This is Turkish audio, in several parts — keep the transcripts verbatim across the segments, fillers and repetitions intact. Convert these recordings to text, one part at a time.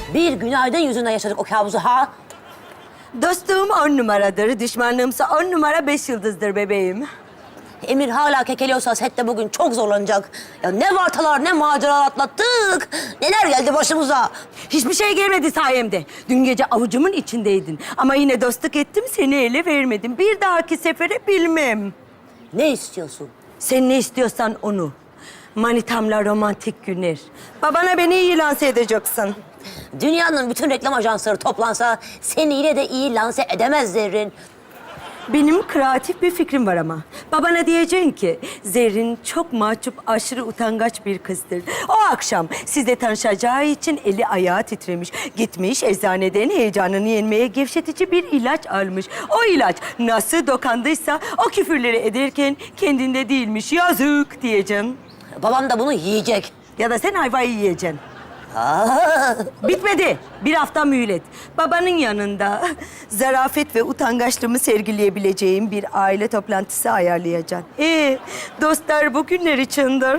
Bir günaydın yüzünden yaşadık o kabusu ha. Dostluğum on numaradır, düşmanlığımsa on numara beş yıldızdır bebeğim. Emir hala kekeliyorsa sette bugün çok zorlanacak. Ya ne vartalar ne maceralar atlattık. Neler geldi başımıza. Hiçbir şey gelmedi sayemde. Dün gece avucumun içindeydin. Ama yine dostluk ettim, seni ele vermedim. Bir dahaki sefere bilmem. Ne istiyorsun? Sen ne istiyorsan onu. Manitamla romantik günler. Babana beni iyi lanse edeceksin. Dünyanın bütün reklam ajansları toplansa seni yine de iyi lanse edemez Zerrin. Benim kreatif bir fikrim var ama. Babana diyeceksin ki Zerrin çok mahcup, aşırı utangaç bir kızdır. O akşam sizle tanışacağı için eli ayağı titremiş. Gitmiş eczaneden heyecanını yenmeye gevşetici bir ilaç almış. O ilaç nasıl dokandıysa o küfürleri ederken kendinde değilmiş. Yazık diyeceksin. Babam da bunu yiyecek. Ya da sen ayvayı yiyeceksin. Aa, Bitmedi. Bir hafta mühlet. Babanın yanında zarafet ve utangaçlığımı sergileyebileceğim bir aile toplantısı ayarlayacaksın. Ee, dostlar bugünler içindir.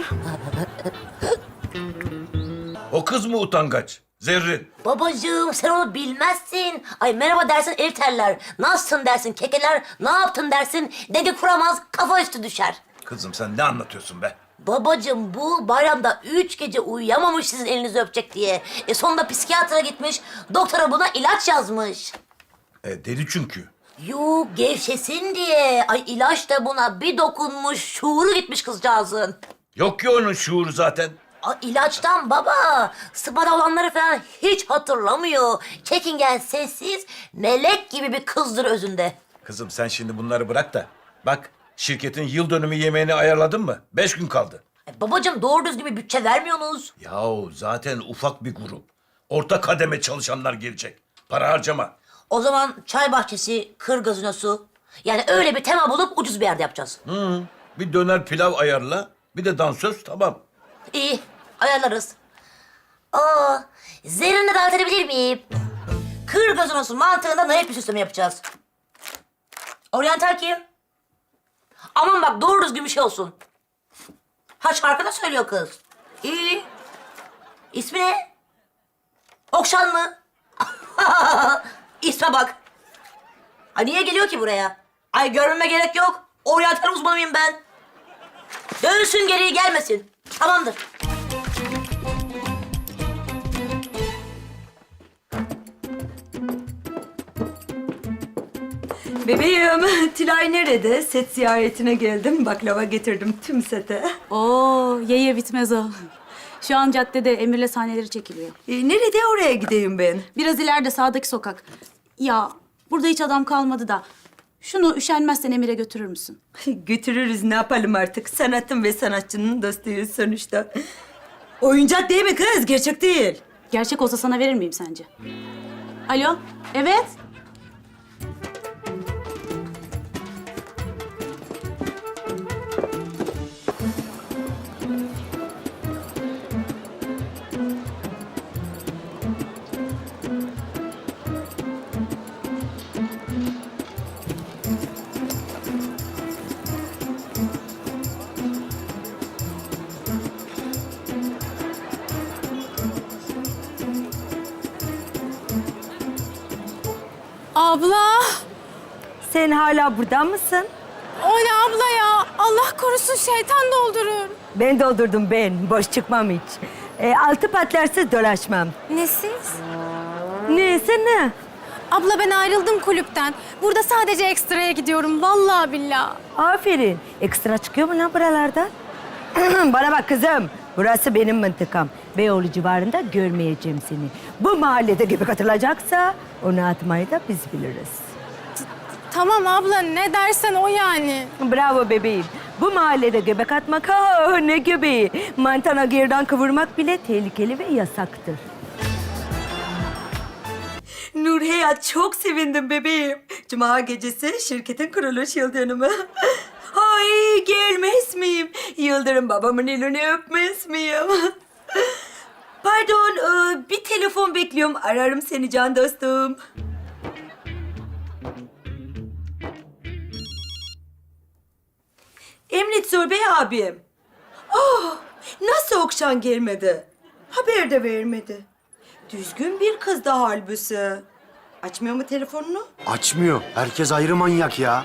O kız mı utangaç? Zerrin. babacığım sen onu bilmezsin. Ay merhaba dersin el terler. Nasılsın dersin kekeler. Ne yaptın dersin. Dedi kuramaz kafa üstü düşer. Kızım sen ne anlatıyorsun be? Babacığım bu bayramda üç gece uyuyamamış sizin elinizi öpecek diye. E sonunda psikiyatra gitmiş. Doktora buna ilaç yazmış. E, deli çünkü. Yok gevşesin diye. Ay ilaç da buna bir dokunmuş. Şuuru gitmiş kızcağızın. Yok ki onun şuuru zaten. Ay ilaçtan baba. Sıpada olanları falan hiç hatırlamıyor. Çekingen, sessiz, melek gibi bir kızdır özünde. Kızım sen şimdi bunları bırak da. Bak şirketin yıl dönümü yemeğini ayarladın mı? Beş gün kaldı. Ay babacığım doğru düzgün bir bütçe vermiyorsunuz. Yahu zaten ufak bir grup. Orta kademe çalışanlar gelecek. Para harcama. O zaman çay bahçesi, kır gazinosu. Yani öyle bir tema bulup ucuz bir yerde yapacağız. Hı, bir döner pilav ayarla. Bir de dansöz tamam. İyi, ayarlarız. Aa, Zerrin'i davet edebilir miyim? Kır gazinosu mantığında naif bir süsleme yapacağız. Oryantal kim? Aman bak doğru düzgün bir şey olsun. Ha şarkı da söylüyor kız. İyi. İsmi ne? Okşan mı? İsme bak. Ay niye geliyor ki buraya? Ay görmeme gerek yok. Oryantal uzmanıyım ben. Dönsün geriye gelmesin. Tamamdır. Bebeğim, Tülay nerede? Set ziyaretine geldim. Baklava getirdim tüm sete. Oo, ye ye bitmez o. Şu an caddede Emir'le sahneleri çekiliyor. Ee, nerede oraya gideyim ben? Biraz ileride sağdaki sokak. Ya burada hiç adam kalmadı da. Şunu üşenmezsen Emir'e götürür müsün? Götürürüz, ne yapalım artık? Sanatın ve sanatçının dostuyuz sonuçta. Oyuncak değil mi kız? Gerçek değil. Gerçek olsa sana verir miyim sence? Alo, evet. Abla, Sen hala burada mısın? o ne abla ya? Allah korusun şeytan doldurur. Ben doldurdum ben. Boş çıkmam hiç. Ee, altı patlarsız dolaşmam. Nesiz? Neyse ne? Abla ben ayrıldım kulüpten. Burada sadece ekstraya gidiyorum vallahi billahi. Aferin. Ekstra çıkıyor mu lan buralardan? Bana bak kızım. Burası benim mıntıkam. Beyoğlu civarında görmeyeceğim seni. Bu mahallede gibi katılacaksa onu atmayı da biz biliriz. Tamam abla ne dersen o yani. Bravo bebeğim. Bu mahallede göbek atmak ha ne göbeği. Mantana gerdan kıvırmak bile tehlikeli ve yasaktır. Nur Hayat çok sevindim bebeğim. Cuma gecesi şirketin kuruluş yıl dönümü. Ay gelmez miyim? Yıldırım babamın elini öpmez miyim? Pardon e, bir telefon bekliyorum. Ararım seni can dostum. Emret Zor Bey abim. Oh, nasıl Okşan gelmedi? Haber de vermedi. Düzgün bir kız da halbuki. Açmıyor mu telefonunu? Açmıyor. Herkes ayrı manyak ya.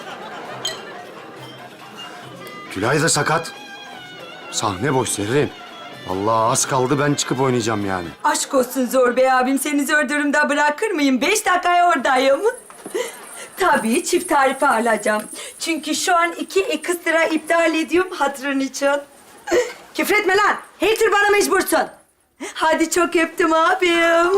Tülay da sakat. Sahne boş Zerrin. Allah az kaldı ben çıkıp oynayacağım yani. Aşk olsun Zor Bey abim, seni zor durumda bırakır mıyım? Beş dakikaya oradayım. Tabii çift tarife alacağım. Çünkü şu an iki ekstra iptal ediyorum hatırın için. Küfretme lan. Her tür bana mecbursun. Hadi çok öptüm abim.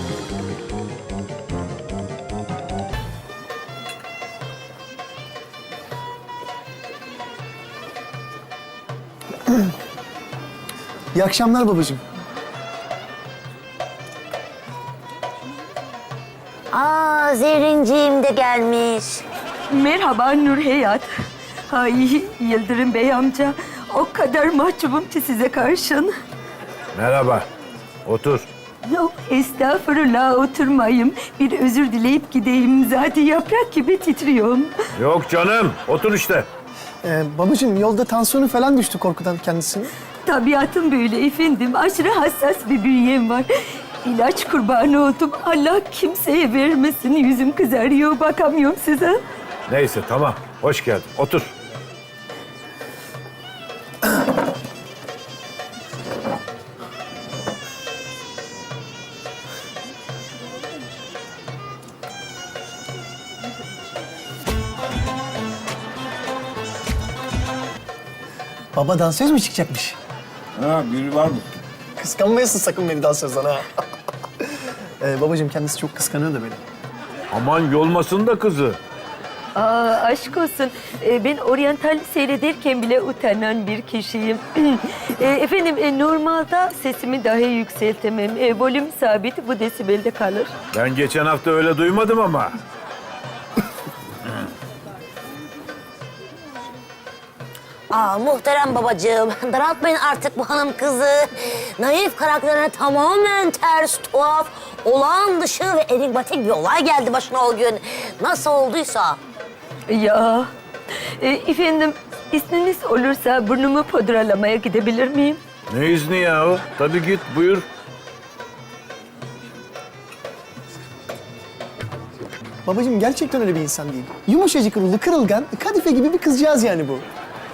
İyi akşamlar babacığım. Aa, Zerrinciğim de gelmiş. Merhaba Nur Hayat. Ay Yıldırım Bey amca. O kadar mahcubum ki size karşın. Merhaba. Otur. Yok estağfurullah oturmayayım. Bir özür dileyip gideyim. Zaten yaprak gibi titriyorum. Yok canım. Otur işte. Ee, babacığım yolda tansiyonu falan düştü korkudan kendisini. Tabiatım böyle efendim. Aşırı hassas bir bünyem var. İlaç kurbanı oldum. Allah kimseye vermesin. Yüzüm kızarıyor. Bakamıyorum size. Neyse tamam. Hoş geldin. Otur. Baba dansöz mü çıkacakmış? Ha, biri var mı? Kıskanmayasın sakın beni dansözden ha. ee, babacığım kendisi çok kıskanıyor da beni. Aman yolmasın da kızı. Aa, aşk olsun. Ee, ben oryantal seyrederken bile utanan bir kişiyim. Ee, efendim e, normalde sesimi dahi yükseltemem. E, volüm sabit bu desibelde kalır. Ben geçen hafta öyle duymadım ama. Aa, muhterem babacığım, daraltmayın artık bu hanım kızı. Naif karakterine tamamen ters, tuhaf, olağan dışı ve enigmatik bir olay geldi başına o gün. Nasıl olduysa. Ya e, efendim izniniz olursa burnumu pudralamaya gidebilir miyim? Ne izni ya o? Tabii git buyur. Babacığım gerçekten öyle bir insan değil. Yumuşacık ruhlu, kırılgan, kadife gibi bir kızcağız yani bu.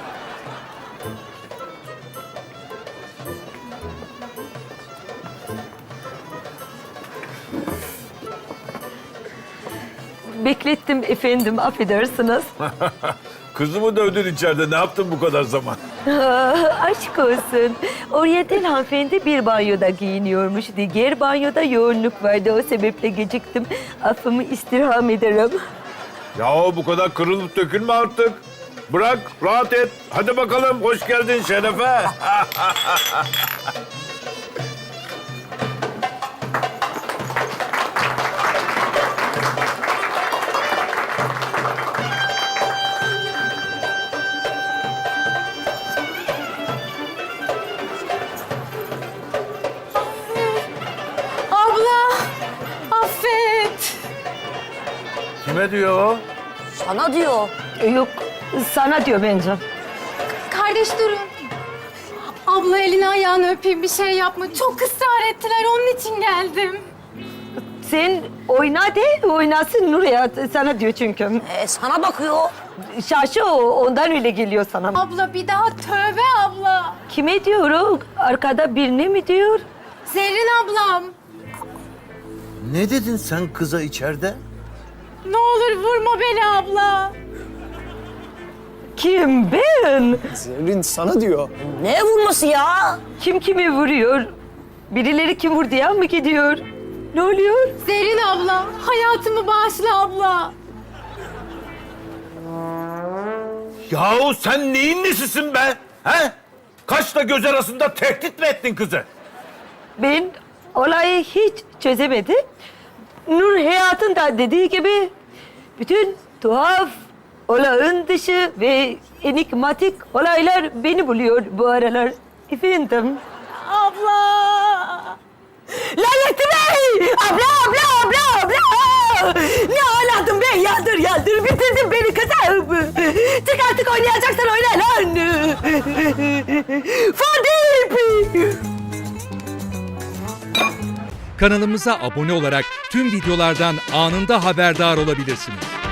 Beklettim efendim affedersiniz. Kızımı dövdün içeride. Ne yaptın bu kadar zaman? Aa, aşk olsun. Oryantal hanımefendi bir banyoda giyiniyormuş. Diğer banyoda yoğunluk vardı. O sebeple geciktim. Affımı istirham ederim. Yahu bu kadar kırılıp dökülme artık. Bırak, rahat et. Hadi bakalım, hoş geldin Şerefe. Abla, affet. Kime diyor o? Sana diyor. E, Yok sana diyor bence. Kardeş durun. Abla elini ayağını öpeyim bir şey yapma. Çok ısrar ettiler onun için geldim. Sen oyna de oynasın Nur Hayat. Sana diyor çünkü. Ee, sana bakıyor. Şaşı o. Ondan öyle geliyor sana. Abla bir daha tövbe abla. Kime diyor o? Arkada birine mi diyor? Zerrin ablam. Ne dedin sen kıza içeride? Ne olur vurma beni abla. Kim? Ben? Zerrin sana diyor. Ne vurması ya? Kim kimi vuruyor? Birileri kim vurdu ya mı gidiyor? Ne oluyor? Zerrin abla, hayatımı bağışla abla. Yahu sen neyin nesisin be? He? Kaşla göz arasında tehdit mi ettin kızı? Ben olayı hiç çözemedim. Nur Hayat'ın da dediği gibi bütün tuhaf, olağan dışı ve enigmatik olaylar beni buluyor bu aralar. Efendim. Abla. Lanetli Bey! Abla, abla, abla, abla! Ne ağladın be? Yaldır, yaldır. Bitirdin beni kızım. Çık artık oynayacaksan oyna lan. Fadip! Kanalımıza abone olarak tüm videolardan anında haberdar olabilirsiniz.